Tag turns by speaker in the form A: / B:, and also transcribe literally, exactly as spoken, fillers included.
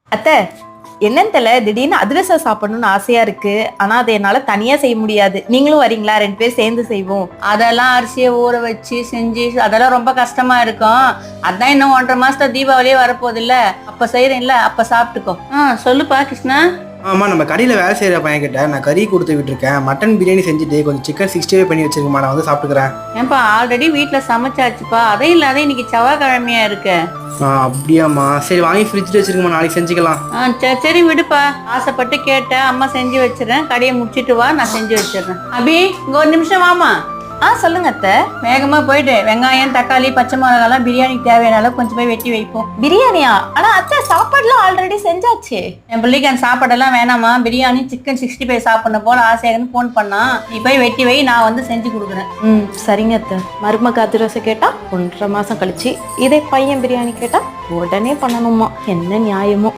A: அத்தை என்னன்னு தெரியல, திடீர்னு அதிரசம் சாப்பிடணும்னு ஆசையா இருக்கு. ஆனா அதை என்னால தனியா செய்ய முடியாது. நீங்களும் வரீங்களா? ரெண்டு பேர் சேர்ந்து செய்வோம்.
B: அதெல்லாம் அரிசியை ஊற வச்சு செஞ்சு அதெல்லாம் ரொம்ப கஷ்டமா இருக்கும். அதான் இன்னும் ஒன்றரை மாசத்துல தீபாவளியே வரப்போகுது இல்ல, அப்ப செய்யறேன்ல, அப்ப சாப்பிட்டுக்கோ. ஆ சொல்லுப்பா கிருஷ்ணா.
C: ஆமா, நம்ம கடையில் வேலை செய்கிற பையன் கிட்ட நான் கறி கொடுத்து விட்டுருக்கேன். மட்டன் பிரியாணி செஞ்சுட்டு கொஞ்சம் சிக்கன் சிக்ஸ்டி ஃபைவ் பண்ணி வச்சிருக்கேன், நான் வந்து சாப்பிட்டுக்கிறேன்.
B: ஏன்பா ஆல்ரெடி வீட்டுல சமைச்சாச்சுப்பா, அதையும் இல்லாத இன்னைக்கு செவ்வாய்க்கிழமையா இருக்கு.
C: ஆ அப்படியாம்மா, சரி வாங்கி ஃப்ரிட்ஜில் வச்சிருக்கோம்மா, நாளைக்கு செஞ்சுக்கலாம்.
B: ஆ சரி சரி விடுப்பா, ஆசைப்பட்டு கேட்டேன், அம்மா செஞ்சு வச்சிடறேன். கடையை முடிச்சிட்டு வா, நான் செஞ்சு வச்சிடுறேன். அபி இங்க ஒரு நிமிஷம் வாமா.
A: ஆ சொல்லுங்க அத்தை.
B: வேகமா போயிட்டு வெங்காயம் தக்காளி பச்சை மிளகாலாம் பிரியாணிக்கு தேவையான அளவு கொஞ்சம் போய் வெட்டி வைப்போம்.
A: பிரியாணியா? ஆனா அத்தை சாப்பாடுலாம் ஆல்ரெடி செஞ்சாச்சு.
B: என் பிள்ளைக்கு அந்த சாப்பாடெல்லாம் வேணாமா, பிரியாணி சிக்கன் சிக்ஸ்டி ஃபைவ் சாப்பிடணும் போல ஆசையாகன்னு ஃபோன் பண்ணா. நீ போய் வெட்டி வை, நான் வந்து செஞ்சு கொடுக்குறேன்.
A: ம் சரிங்க அத்தை. மருமக அதிரசம் கேட்டா ஒன்றரை மாசம் கழிச்சு, இதே பையன் பிரியாணி கேட்டா உடனே பண்ணணுமா? என்ன நியாயமோ.